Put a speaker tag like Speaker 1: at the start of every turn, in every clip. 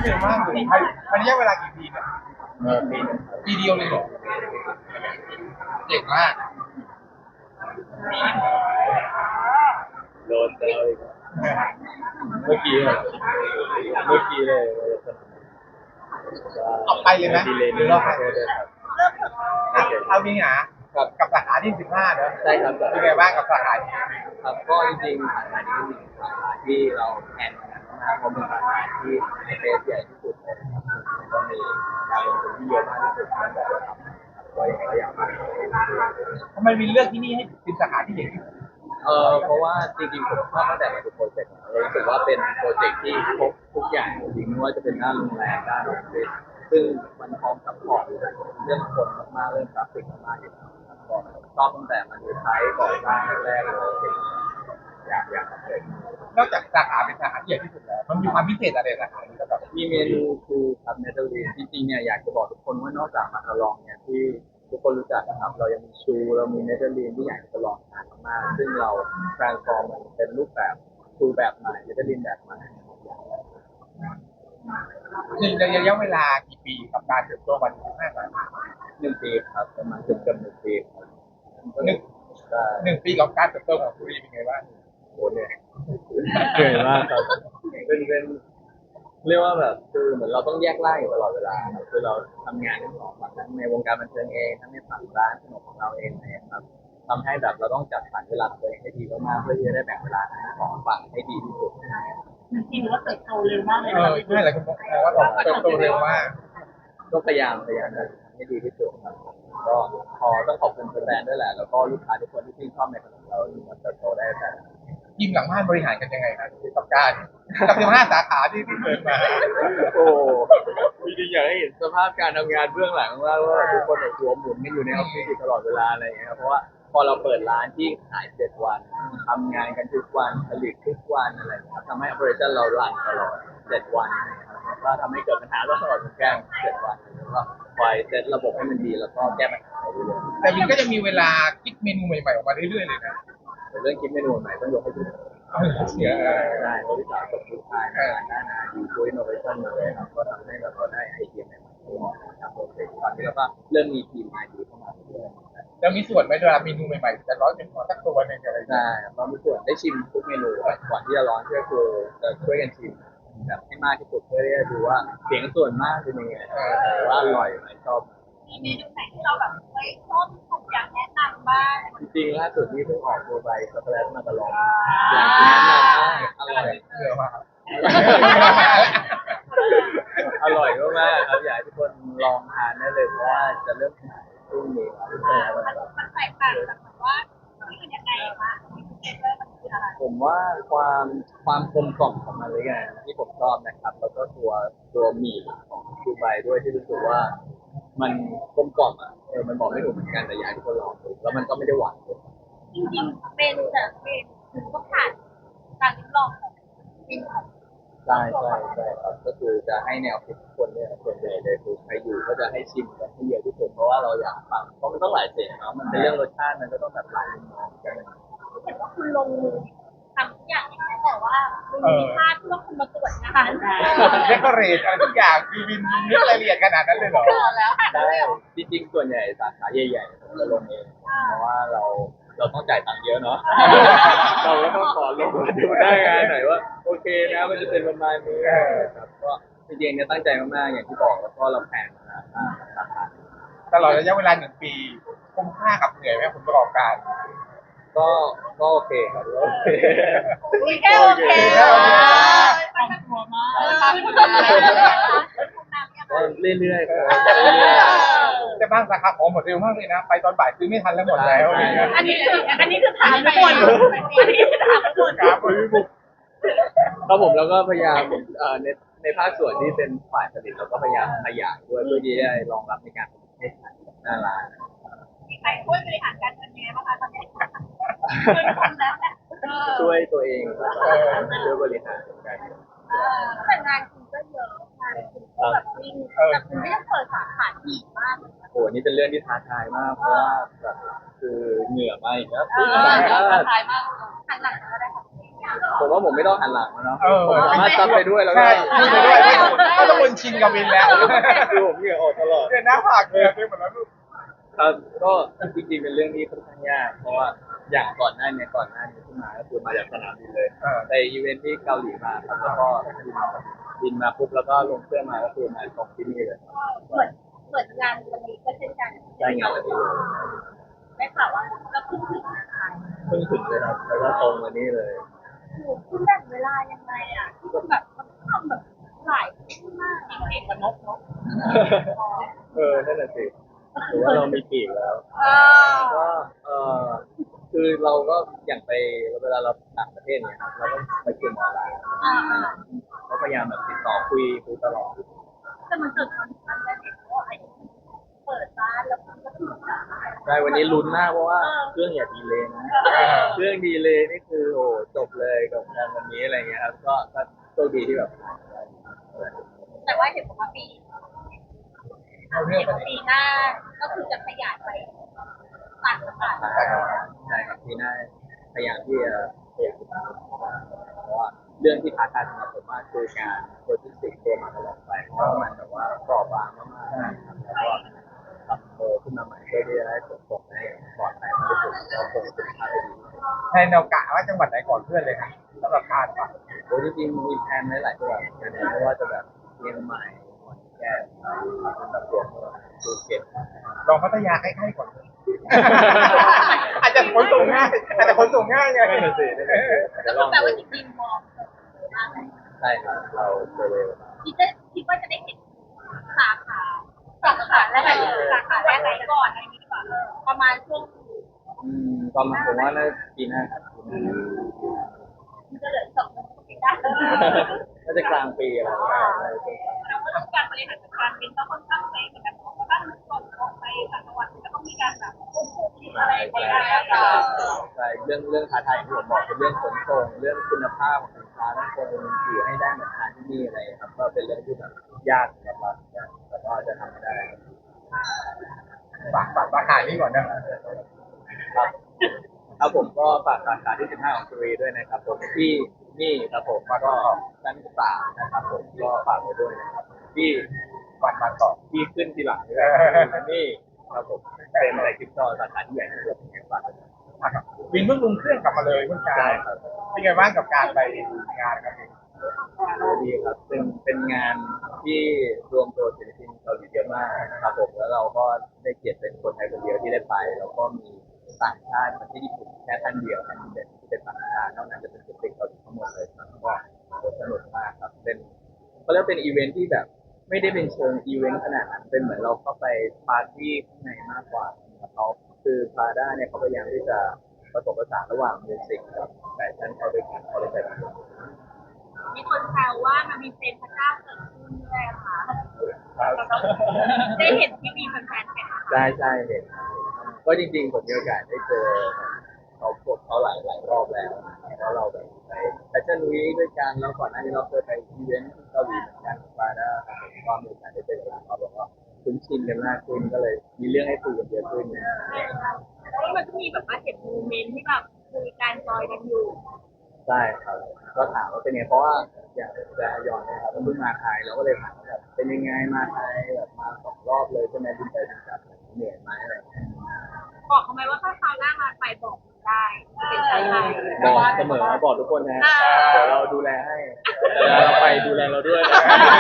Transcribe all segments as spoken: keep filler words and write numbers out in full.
Speaker 1: เร็วมากเลยภายภายในระยะเวลากี่ปีเนี่ย
Speaker 2: เออปีหนึงครับ
Speaker 1: ปีเดียวเลยเหรอเจ๋งมาก
Speaker 2: โดนเจออีกเมื่อกี้อะเมื่อกี้เลย
Speaker 1: เอาไปเลยไหม
Speaker 2: ดีเลย
Speaker 1: หรือเราไป
Speaker 2: โทษด้วยครับโอ
Speaker 1: เอา
Speaker 2: เค
Speaker 1: เอาจริงเหรอ
Speaker 2: ครับ
Speaker 1: กับสาขาที่สิบห้าเนอะ
Speaker 2: ใช่ครับ
Speaker 1: เป็นไงบ้างกับสาขานี้
Speaker 2: ครับก็จริงๆสาขานี้เป็นสาขาที่เราแอนกันมากเพราะเป็นสาขาที่ในเฟสใหญ่ที่สุดเลยครับแล้วก็มีการลงทุนที่เยอะมากที่สุดตั้งแต่เราทำก็ยังก็อยากมา
Speaker 1: ทำไมวินเลือกที่นี่ให้เป็นสาขาที่ใหญ่ที่สุด
Speaker 2: เออเพราะว่าจริงๆผมชอบตั้งแต่มาดูโปรเจกต์เรารู้สึกว่าเป็นโปรเจกต์ที่ครบทุกอย่างจริงๆไม่ว่าจะเป็นด้านโรงแรมด้านออฟฟิศซึ่งมันพร้อมซัพพอร์ตเรื่องคนมากๆเรื่องทราฟฟิกมากๆอยู่แล้วครับก็ชอบตั้งแต่มันดูไทยก่อสร้างแรกๆเลยอยากอยากทำเลย
Speaker 1: นอกจากสาขาเป็นสาขาที่ใหญ่ที่สุดแล้วมันมีความพิเศษอะไรสาขานี้ก็แบบ
Speaker 2: มีเมนูคือครับเนเธอร์แลนด์จริงๆเนี่ยอยากจะบอกทุกคนว่านอกจากมาคาลองเนี่ยที่ทุกคนรู้จักนะครับเรายังมีชูเรามีเนเธอร์แลนด์ที่อยากจะลองทานมากๆซึ่งเรา transform มันเป็นรูปแบบชูแบบใหม่เนเธอร์แลนด์แบบใหม่
Speaker 1: คือในระยะเวลากี่ปีกับการเติบโตมาถึงสิบห้าสาขา
Speaker 2: หนึ่งปีครับประมาณเกือบเกือบหนึ่งปีครับ
Speaker 1: หนึ่งหนึ่งปีกับการเติบโตของธุรีเป็นไงบ้าง
Speaker 2: โอ้เนี่ยเหนื่อยมากครับเป็นเป็นเรียกว่าแบบคือเหมือนเราต้องแยกร่างอยู่ตลอดเวลาครับคือเราทำงานทั้งสองฝั่งทั้งในวงการบันเทิงเองทั้งในฝั่งร้านขนมของเราเองนะครับทำให้แบบเราต้องจัดสรรเวลาตัวเองให้ดีมากๆเพื่อที่จะได้แบ่งเวลาทั้งสองฝั่งให้ดีที่สุด
Speaker 3: จริงๆว่าเติบโตเร็วมากเลย
Speaker 1: เออใช่หลายคนบอกว่าเติบโตเร็วมาก
Speaker 2: ก็พยายามพยายามทำให้ดีที่สุดครับก็พอต้องขอบคุณแฟนๆด้วยแหละแล้วก็ลูกค้าทุกคนที่ชื่นชอบในขนมเราที่มันเติบโตได้แต่
Speaker 1: ทีมหลังบ้านบริหารกันยังไงครับกับการกับสิบห้าสาขาที่ที่เกิดมา
Speaker 2: โอ้จริงๆอยากให้เห็นสภาพการทำงานเบื้องหลังว่าว่าทุกคนแบบหัวหมุนกันอยู่ในออฟฟิศอยู่ตลอดเวลาอะไรอย่างเงี้ยครับเพราะว่าพอเราเปิดร้านที่ขายเจ็ดวันทำงานกันทุกวันผลิตทุกวันอะไรอย่างเงี้ยทำให้ operation เรารันตลอดเจ็ดวันนะครับก็ทำให้เกิดปัญหาตลอดเหมือนกันเจ็ดวันแล้วก็คอยเซตระบบให้มันดีแล้วก็แก้ปัญหาไปเรื่อยๆ
Speaker 1: แต่วินก็จะมีเวลาคิดเมนูใหม่ๆออกมาเรื่อยๆเลยนะ
Speaker 2: แต่เรื่องคิดเมนูใหม่ต้องยกให้พี่ได้เพราะพี่สาวกับลูกชายงานด้านอาดีด้วยอินโนเวชั่นมาเลยครับก็ทำให้เราได้ไอเดียใหม่ๆตลอดนะครับโปรเจกต์ตอนนี้เราก็เริ่มมีทีมอาดีเข้ามาเรื่อยๆ
Speaker 1: แล้วมีส่วนไหมเวลาเมนูใหม่ๆจะร้อนเป็นสักตัวหนึ่งอะไรอย่างเงี้ย
Speaker 2: ใช่เรามีส่วนได้ชิมทุกเมนูก่อนที่จะร้อนก็คือจะช่วยกันชิมแบบให้มากที่สุดเพื่อที่จะดูว่าเสียงส่วนมากเป็นยังไงว่าอร่อยไหมชอบ
Speaker 3: มีเมนูไหนที่เราแบบเฮ้ยชอบผมอยากแนะนำบ้าง
Speaker 2: จริงๆล่าสุดที่เพิ่งออกตัวไปช็อกโกแลตมาตลอดอยากแนะนำมากอร่อย
Speaker 1: เยอะมาก
Speaker 2: อร่อยมากๆครับอยากให้ทุกคนลองทานได้เลยเพราะว่าจะเริ่มขายพรุ่งนี้
Speaker 3: มันแตกต่างจากแบบว่าที่มันยังไงคะมันคืออะไร
Speaker 2: ผมว่าความความกลมกล่อมของมันเลยไงที่ผมชอบนะครับแล้วก็ตัวตัวหมี่ของดูไบด้วยที่รู้สึกว่ามันกลมกล่อมอ่ะเออมันบอกไม่ถูกเหมือนกันแต่อยากให้ทุกคนลองดูแล้วมันก็ไม่ได้หวานเลย
Speaker 3: จริงๆเป็นแต่เป็นคือก็ผ่านการทดลองของจริงของ
Speaker 2: ใช่ใช่ใช่ครับก็คือจะให้แนวคิดทุกคนเนี่ยส่วนใหญ่เลยคือใครอยู่ก็จะให้ชิมกันให้เยอะที่สุดเพราะว่าเราอยากฟังเพราะมันต้องหลายเสียงเนาะมันเป็นเรื่องรสชาติมันก็ต้องแบบหลายมุมมองกัน
Speaker 3: เห็นว่าคุณลงมือทำทุกอย่างแต่ว่าคุณมีภาพที่ว่าคุณมาตรวจงาน
Speaker 1: เดคอเรทอะไรทุกอย่างคือวินนึกรายละเอียดขนาดนั้นเลยเหรอ
Speaker 3: แล้ว
Speaker 2: ใช่จริงๆส่วนใหญ่สาขาใหญ่ๆผมจะลงเองเพราะว่าเราเราต้องจ่ายตังค์เยอะเนาะเราก็ต้องขอลงมาดูได้ไงหน่อยว่าโอเคนะมันจะเป็นประมาณนี้ครับก็จริงๆเนี่ยตั้งใจมากๆอย่างที่บอกแล้วก็เราแผนมาสาขา
Speaker 1: ตลอดระยะเวลาหนึ่งปีคุ้มค่ากับเหนื่อยไหมผลประกอบการ
Speaker 2: ก็ก็โอเคครับโอเค
Speaker 3: แค่โอเคตั้งตัวมาก
Speaker 2: ก็เรื่อยๆครับ
Speaker 1: แต่บางสาขาของหมดเร็วมากเลยนะไปตอนบ่ายซื้อไม่ทันแล้วหมดแล้ว
Speaker 3: อันนี้คืออันนี้คือถามทุกคนอันนี้คือถามทุกคน
Speaker 2: ครับครับผมแล้วก็พยายามในในภาคส่วนที่เป็นฝ่ายผลิตเราก็พยายามขยายด้วยเพื่อที่จะรองรับในการผลิตให้ทันหน้าร้าน
Speaker 3: มีใครช่วยบริหารการเงินยังไงบ้างคะตอนนี้
Speaker 2: ช่วยตัวเองช่วยบริหารการเงิน
Speaker 3: แต่งานคุณก็เยอะงานคุณก็แบบวิ่งแต่คุณไม่ได้เปิดสาขาอีกมากเลย
Speaker 2: โอ้นี่เป็นเรื่องที่ท้าทายมากเพราะว่าแบบคือเหงื่อมาอีกแล้ว
Speaker 3: ท้าทายมากทางหลังก็ได้ค่ะ
Speaker 2: ผมว่าผมไม่ต้องหันหลังแล้วเนาะ
Speaker 1: เออ
Speaker 2: ผมสามารถซับไปด้วยแล้วก็
Speaker 1: ใช่พูดไปด้วยไม่ต้องคนชินกับวินแล้ว
Speaker 2: คือผมเหงื่อออกตลอด
Speaker 1: เดินหน้าผากเกลือไปหมดแล้วลูก
Speaker 2: ครับก็จริงๆเป็นเรื่องที่ค่อนข้างยากเพราะว่าอย่างก่อนหน้านี้ก่อนหน้านี้ที่มาก็คือมาจากสนามบินเลย
Speaker 1: เออ
Speaker 2: ไปอีเวนท์ที่เกาหลีมาครับแล้วก็บินบินมาปุ๊บแล้วก็ลงเครื่องมาก็คือมาตรงที่นี่เลย
Speaker 3: เหมือนเหมือนงานวันนี้ก็เช่นกัน
Speaker 2: ได้งานวันนี้เลย
Speaker 3: ได้ข่าวว่าก็เพิ่งถึงนะคะ
Speaker 2: เพิ่งถึงเลยครับแล้วก็ตรงวันนี้เลย
Speaker 3: หนูคุณแบ่งเวลายังไงอ่ะที่คุณแบบมันทำแบบหลายที่มากเอกกับนกเนาะ
Speaker 2: เออนั่นแหละสิหรือว่าเรามีปีกแล้ว
Speaker 3: เออ
Speaker 2: ก็เออคือเราก็อย่างไปเวลาเราต่างประเทศเนี่ยครับเราก็ไปเรียนออนไลน์
Speaker 3: อ่า
Speaker 2: ก็พยายามแบบติดต่อคุยคุยตลอด
Speaker 3: แต่มันเกิดความสัมพันธ์ได้เห็นว่าไอ้เปิดร้านแล้วมันก็ถูกอ่ะ
Speaker 2: ใช่วันนี้ลุ้นมากเพราะว่าเครื่องอย่าดีเลยนะเครื่องดีเลยนี่คือโอ้จบเลยกับงานวันนี้อะไรเงี้ยครับก็ก็โชคดีที่แบบ
Speaker 3: แต่ว่าเห็นบอกว่าปี
Speaker 1: เอาเรื่อ
Speaker 3: เห็
Speaker 1: ง
Speaker 3: น
Speaker 1: ไป
Speaker 3: ว่าปีหน้าก็คือจะขยายไปต่างจังหวัด
Speaker 2: ใช่ครับที่น่าพยายามที่จะพยายามที่จะเพราะว่าเรื่องที่ท้าทายสำหรับผมมากคือการโลจิสติกส์ตัวมันตลอดไปเพราะว่ามันแบบว่าเปราะบางมากๆนะครับแล้วก็ทำโตขึ้นมาใหม่เพื่อที่จะได้ผลตกได้ปลอดภัยมากที่สุดแล้วคงคุณภาพได้ดีที่สุด
Speaker 1: แทนเรากะว่าจังหวัดไหนก่อนเพื่อนเลยค่ะสำหรับการปะ
Speaker 2: โอ้ยจริงๆมีแผนไว้หลายจังหวัดเหมือนกันนะไม่ว่าจะแบบเชียงใหม่ขอนแก่นแบบตัวเมืองภูเก็ต
Speaker 1: ลองพัทยาใกล้ๆก่อน อาจจะขนส่งง่ายอาจจะขนส่งง่ายไง
Speaker 2: นั่นน่ะสินั่นน่ะสิเดี๋ยวลอง
Speaker 3: แต่
Speaker 2: ดู
Speaker 3: ว่าจริงๆมอง
Speaker 2: ใช่ครับเราเจอเลย
Speaker 3: คิดจะคิดว่าจะได้เห็นสาขาสาขาแรกไหนสาขาแรกไหนก่อนอะไรนี้ดีกว่าประมาณช่วง
Speaker 2: อืมประมาณผมว่าน่าปีหน้าครับปีหน้า
Speaker 3: มันจะเหลือสองปีได้
Speaker 2: น่าจะกลางปีอะไรอย่างเงี้ย
Speaker 3: แต่ว่าการบริหารจัดการบินก็ค่อนข้างเป๊ะเหมือนกันเนาะเพราะถ้าส่งออกไปต่างจังหวัดก็ต้องมีการแบบควบคุมอะไรไปได้ต่าง
Speaker 2: ใช่เรื่องเรื่องท้าทายที่ผมบอกเป็นเรื่องขนส่งเรื่องคุณภาพของสินค้าต้องคงอยู่ให้ได้มาทานที่นี่อะไรครับก็เป็นเรื่องที่แบบยากสำหรับเราเหมือนกันแต่ก็จะทำให้ได้
Speaker 1: ฝากฝากสาขานี้ก่อนนะ
Speaker 2: ครับครับผมก็ฝากสาขาที่สิบห้าของสุรีด้วยนะครับผมที่นี่ครับผมก็ชั้นสามนะครับผมก็ฝากไว้ด้วยนะครับที่
Speaker 1: วันมาต่อ
Speaker 2: ที่ขึ้นทีหลังด้วยนี่ครับผมเป็นอะไรคริปโตสาขาที่ใหญ่ที่สุดในฝากไว้ด้วย
Speaker 1: อ่ะครับวินเพิ่งลงเครื่องกลับมาเลยเพิ่งกา
Speaker 2: ใช่
Speaker 1: ร
Speaker 2: ครับ
Speaker 1: เป็นไงบ้างกับการไปงานครับพี่
Speaker 2: ดีครับเป็นเป็นงานที่รวมตัวศิลปินเกาหลีเยอะมากครับผมแล้วเราก็ได้เกียรติเป็นคนไทยคนเดียวที่ได้ไปแล้วก็มีต่างชาติมาที่ญี่ปุ่นแค่ท่านเดียวครับที่เป็นที่เป็นต่างชาตินอกนั้นจะเป็นศิลปินเกาหลีทั้งหมดเลยครับก็สนุกมากครับเป็นเขาเรียกเป็นอีเวนท์ที่แบบไม่ได้เป็นเชิงอีเวนต์ขนาดนั้นเป็นเหมือนเราเข้าไปปาร์ตี้ข้างในมากกว่าครับเขาคือพาด้าเนี่ยเขาพยายามที่จะผสมผสานระหว่างมิวสิกกับแฟชั่นเข้าด้วยกันเขาเลยแบบ
Speaker 3: มีคนแซวว่ามันมีเซนพระเจ้าเกิดขึ้นด้วยค่ะได้เห็นที่มีแฟนๆแข่ง
Speaker 2: ใช่ใช่เห็นก็จริงๆผมมีโอกาสได้เจอเขาพวกเขาหลายหลายรอบแล้วแล้วเราแบบไปแฟชั่นวีคด้วยกันแล้วก่อนหน้านี้เราเคยไปอีเวนต์ที่เกาหลีเหมือนกันกับฟาด้าครับผมก็มีโอกาสได้เจอกันเขาบอกว่าคุ้นชินกันมากขึ้นก็เลยมีเรื่องให้คุยกันเยอะขึ้น
Speaker 3: แล้วมันก็มีแบบว่าเห็นโมเมนต์ที่แบบคุยการจอยกันอยู่
Speaker 2: ใช่ครับก็ถามว่าเป็นไงเพราะว่าอย่างจะยอนนะครับเพิ่งมาไทยเราก็เลยถามว่าแบบเป็นยังไงมาไทยแบบมาสองรอบเลยใช่ไหมบินไปบินกลับเหนื่อยไหมอะไรอย่างเงี้ย
Speaker 3: บอกเขาไหมว่าถ้าคราวหน้ามาไปบอกได้เป็นชายไทย
Speaker 2: บอกเสมอบอกทุกคนนะเดี๋ยวเราดูแลให้เวลาเราไปดูแลเราด้วยนะ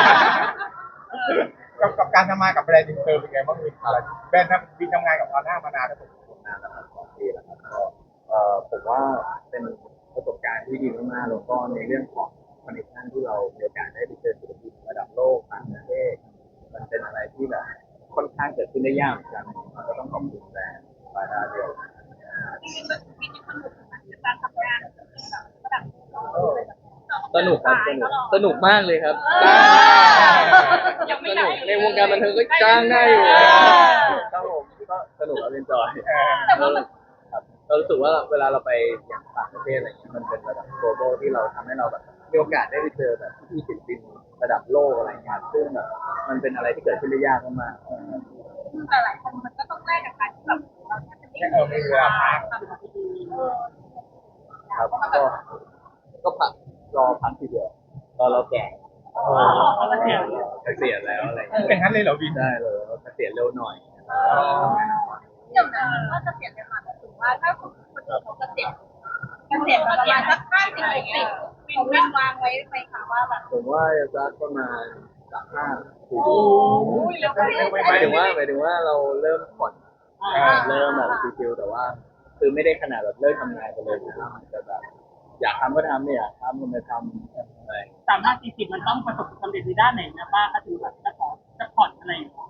Speaker 1: กับกับการทำงานกับแบรนด์อินเตอร์เป็นไงบ้างวินอะไรแบรนด์ทำวินทำงานกับพาด้ามานานแล้วผม
Speaker 2: นานแล้วครับสองปีแล้วครับก็เอ่อผมว่าเป็นประสบการณ์ที่ดีมากๆแล้วก็ในเรื่องของคอนเนคชั่นที่เรามีโอกาสได้ไปเจอศิลปินระดับโลกต่างประเทศมันเป็นอะไรที่แบบค่อนข้างเกิดขึ้นได้ยากเหมือนกันก็ต้องขอบคุณแบรนด์บาดาเดียว
Speaker 3: จริงๆมันมีความสนุกเหมือนการทำงานแบบระดับ
Speaker 2: สนุกครับสนุกสนุกมากเลยครับ
Speaker 3: ยังไม่
Speaker 2: ส
Speaker 3: ได้
Speaker 2: นุกในวงการบันเทิงก็จ้างได้อยู่ครับผมก็สนุกแล้วเอนจอย
Speaker 3: แต่ว่ามัน
Speaker 2: ครับเรารู้สึกว่าเวลาเราไปอย่างต่างประเทศอะไรเงี้ยมันเป็นระดับ global ที่เราทำให้เราแบบมีโอกาสได้ไปเจอแบบที่ศิลปินระดับโลกอะไรเงี้ยซึ่งแบบมันเป็นอะไรที่เกิดขึ้นได้ยากมากๆ
Speaker 3: แต่หลายคนมันก็ต้องแลกกับการที่แบบเราจะไม่
Speaker 1: เออไม่เวลาพัก
Speaker 3: ทำดี
Speaker 2: ครับก็ก็พักรอพักทีเดียวตอนเราแก่
Speaker 3: เขาก็เสีย
Speaker 2: เกษียณแล้วอะไรอย่างเงี้ย
Speaker 1: อย่างนั้นเลยเหรอวิน
Speaker 2: ได้เลยเกษียณเร็วหน่อย
Speaker 3: เดี๋ยวนะก็เกษียณกันมาถึงว่าถ้าคนคนอื่นเขาเกษียณเกษียณประมาณสักห้าสิบหกสิบเขาวินวางไว้ไหมคะว่าแบบ
Speaker 2: ผมว่าจะสักประมาณสามห้าปี
Speaker 3: โอ้ยแล้วก็
Speaker 2: หมายถึงว่าหมายถึงว่าเราเริ่มผ่อนเริ่มแบบชิวๆแต่ว่า คือไม่ได้ขนาดแบบเลิกทำงานไปเลยนะแต่แบบอยากทำก็ทำไม่อยากทำก็ไม่ทำอะไร
Speaker 4: สามห้าสี่สิบมันต้องประสบความสำเร็จในด้านไหนนะป้าถ้าถึงแบบจะขอจะผ่อนอะไรอย่างเงี้ย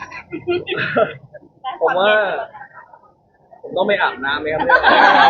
Speaker 2: ผมว่า ผมต้องไปอาบน้ำไหมครับเนี่ย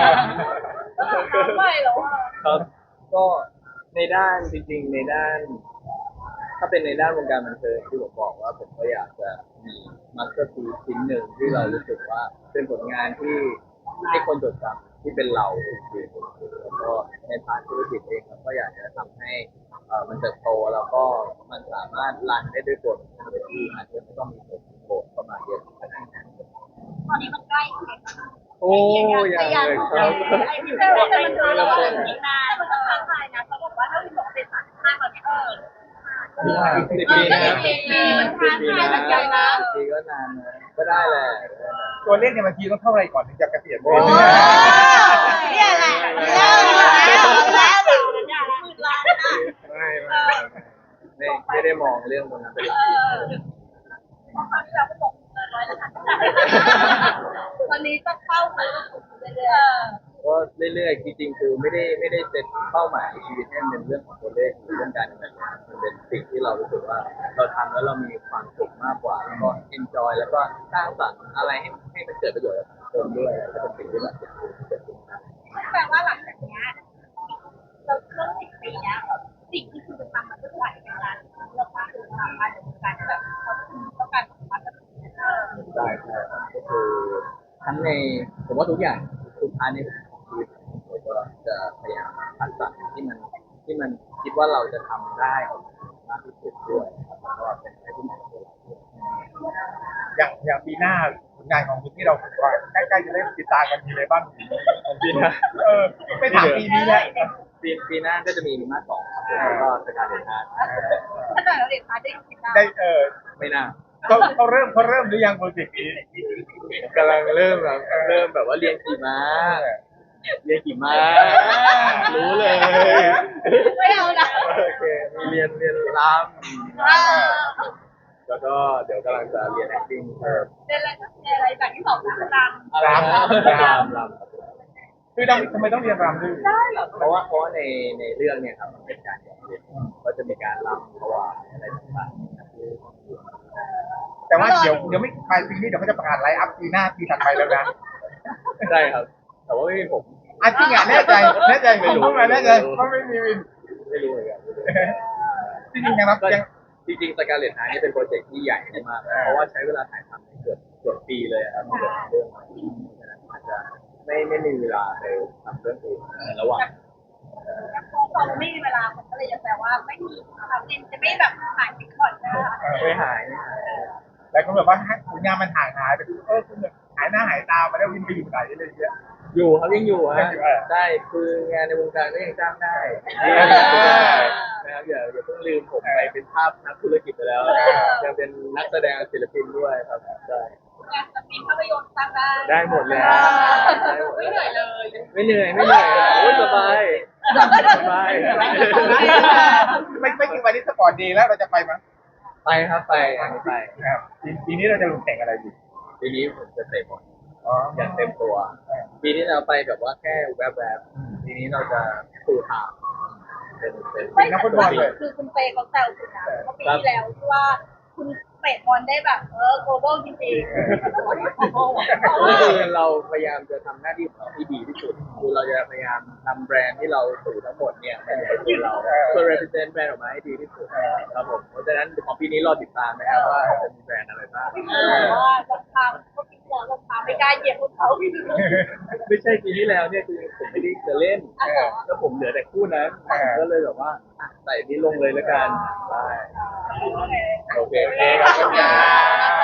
Speaker 3: ไม่หรอกว่า
Speaker 2: ครับ ก็ในด้านจริงๆในด้าน ถ้าเป็นในด้านวงการบันเทิงที่ผมบอกว่าผมก็อยากจะมีมาสเตอร์พีซชิ้นหนึ่งที่เรารู้สึกว่าเป็นผลงานที่ให้คนจดจำที่เป็นเราจริงๆแล้วก็ในพาร์ทธุรกิจเองเราก็อยากจะทำให้เอ่อมันเติบโตแล้วก็มันสามารถรันได้ด้วยตัวมันเองโดยที่อาจจะไม่ต้องมีคนโผล่เข้ามาเยอะขนาดนั้น
Speaker 3: ตอนนี้มันใกล้เคียง
Speaker 2: โอ้ยังเลยครับ
Speaker 3: ไอ้ที่เป็นมันมันมันอีกนานมันก็ท้าทายนะเขาบอกว่าถ้าวินบอกเป็นสามห้าตอนนี้เออ
Speaker 2: สิบปีนะ
Speaker 3: สิบปีมันท้าทายเหมือนกันนะ
Speaker 2: สิบปีก็นานนะก็ได้แหละ
Speaker 1: ตัวเลขเนี่ยบางทีต้องเท่าไหรก่อนถึงจะเกษียณ
Speaker 2: โอ้
Speaker 3: เนี่ยแหละแล้วแล้วแล้วหมื่นล้านนะ
Speaker 2: ไม่ไม่ไม่ไม่ได้มองเรื่องตรงนั้นเป็นหลัก
Speaker 3: เพราะคราวที่เราก็บอกเกินร้อยแล้วค่ะวันนี้ต้องเข้าไปเรื่อยๆ
Speaker 2: ก็เรื่อยๆจริงๆคือไม่ได้ไม่ได้เซตเป้าหมายชีวิตให้มันเป็นเรื่องของตัวเลขหรือเรื่องการเงินมันเป็นสิ่งที่เรารู้สึกว่าเราทำแล้วเรามีความสุขมากกว่าแล้วก็เอนจอยแล้วก็สร้างสรรค์อะไรให้ให้มันเกิดประโยชน์กับสังคมด้วยก็เป็นสิ่งที่แบบอยากให้เกิดขึ้น
Speaker 3: แปลว่าหลังจากเนี้ยเราเรื่องสิบปีเนี้ยสิ่งที่คุณจะทำมันก็ไหลไปงานเราพาถึงทำงานในวงการที่แบบเขาต้องการของมันแบบนี้
Speaker 2: ได้ใช่ครับก็คือทั้งในผมว่าทุกอย่างทุกพาร์ทในของชีวิตผมก็จะพยายามคัดสรรที่มันที่มันคิดว่าเราจะทำได้ออกมามากที่สุดด้วยครับแล้วก็เป็นอะไรที่เหมาะกับเราด้วย
Speaker 1: อย่างอย่างปีหน้าผลงานของคุณที่เราว่าใกล้ๆจะได้ติดตามกันมีอะไรบ้าง
Speaker 2: ปีหน้า
Speaker 1: เออไม่ถามปีนี้แล้ว
Speaker 2: ปีปีหน้าก็จะมีมีมาสองครับแล้วก็สการเดนฮาร์
Speaker 3: ถ้าเกิดเราเด็กพาได้คิดได้
Speaker 1: ได้เออ
Speaker 2: ไม่น่า
Speaker 1: เขาเขาเริ่มเขาเริ่มหรือยังโปรเจกต์นี้
Speaker 2: กำลังเริ่มแบบเริ่มแบบว่าเรียนขี่ม้าเรียนขี่ม้ารู้เลย
Speaker 3: ไม่เอานะ
Speaker 2: โอเคมีเรียนเรียนรำแล้วก็เดี๋ยวกำลังจะเรียน acting เพิ่ม
Speaker 3: เรียนอะไรก็เรียนอะไรแบบที่สองนะรำ
Speaker 2: รำรำรำ
Speaker 1: คือทำไมต้องเรียนรำด้วย
Speaker 3: ได้เหรอ
Speaker 2: เพราะว่าเพราะว่าในในเรื่องเนี่ยครับมันเป็นการเรียนก็จะมีการรำถวายอะไรต่างๆ
Speaker 1: แต่ว่าเดี๋ยวเดี๋ยวไม่ปลายปีนี้เดี๋ยวเขาจะประกาศไลฟ์อัพปีหน้าปีถัดไปแล้วนะ
Speaker 2: ใช่ครับ แต่ว่าไม่มีผม
Speaker 1: อ่ะจริงอ่ะแน่ใจแน่ใจผมพูดมาแน่ใจเพราะไม่มีวิน
Speaker 2: ไม่รู้เหมือนกัน
Speaker 1: จริงๆยังรับ
Speaker 2: ก็
Speaker 1: ยัง
Speaker 2: จริงๆสการเลตไนท์นี่เป็นโปรเจกต์ที่ใหญ่มากเพราะว่าใช้เวลาถ่ายทำเกือบเกือบปีเลยครับเกือบเรื่องอาจจะไม่ไม่มีเวลาไปทำเรื่องอื่นในระหว่าง
Speaker 3: พอเราไม่มีเวลาผมก็เลยจะแปลว่าไม่มีเราเรียนจะไม่แบบหายไปก่อนนะ
Speaker 2: ไม่หายไม่หาย
Speaker 1: หลายคนแบบว่าผลงานมันห่างหายไปเออคุณหายหน้าหายตามาแล้ววินไปอยู่ไหนอะไรอย่างเงี้ย
Speaker 2: อยู่ครับยังอยู่
Speaker 1: ยั
Speaker 2: ฮะ
Speaker 1: งอยู่อ่ะ
Speaker 2: ได้คืองานในวงการก็ยังจ้างได้นะครับอย่าอย่าเพิ่งลืมผมไปเป็นภาพนักธุรกิจไปแล้วยังเป็นนักแสดงศิลปินด้วยครับใช่
Speaker 3: งานจะมีภาพยนตร์สร้างได้
Speaker 2: ได้หมดแล้ว
Speaker 3: ไม่เหนื่อยเลย
Speaker 2: ไม่เหนื่อยไม่เหนื่อยโอ้ยสบายสบาย
Speaker 1: ไม่ไม่กี่วันนี้สปอร์ตดีแล้วเราจะไปมั้ย
Speaker 2: ไปครับไปอันนี้ไป
Speaker 1: ครับปีปีนี้เราจะลงแข่งอะไรดี
Speaker 2: ปีนี้ผมจะเตะบอล
Speaker 1: อ๋อ
Speaker 2: อย่างเต็มตัว ปีนี้เราไปแบบว่าแค่แวบๆปีนี้เราจะฟูลไทม์เป็นเป็น
Speaker 3: ไม่คือคุณเปย์เขาแซวคุณนะเมื่อปีที่แล้วที่ว่าคุณเตะบอลได้แบบเออ global จริงๆ
Speaker 2: ก็คือเราพยายามจะทำหน้าที่ของเราที่ดีที่สุดคือเราจะพยายามทำแบรนด์ที่เราสื่อทั้งหมดเนี่ยมาอยู่ในตัวเราเพื่อ represent แบรนด์ออกมาให้ดีที่สุดครับผมเพราะฉะนั้นของปีนี้รอติดตามนะครับว่าจะมีแบรนด์อะไรบ้าง
Speaker 3: พี่บอกว่าลงทางก็พี่บอกลงทางไม่กล้าเหยียบพวกเขาพี่
Speaker 2: ไม่ใช่ปีที่แล้วเนี่ยคือผมไม่ได้จะเล่นแล้วผมเหลือแต่คู่นั้นก็เลยแบบว่าใส่นี้ลงเลยแล้วกันได้โอเคโอเคขอบคุณครับ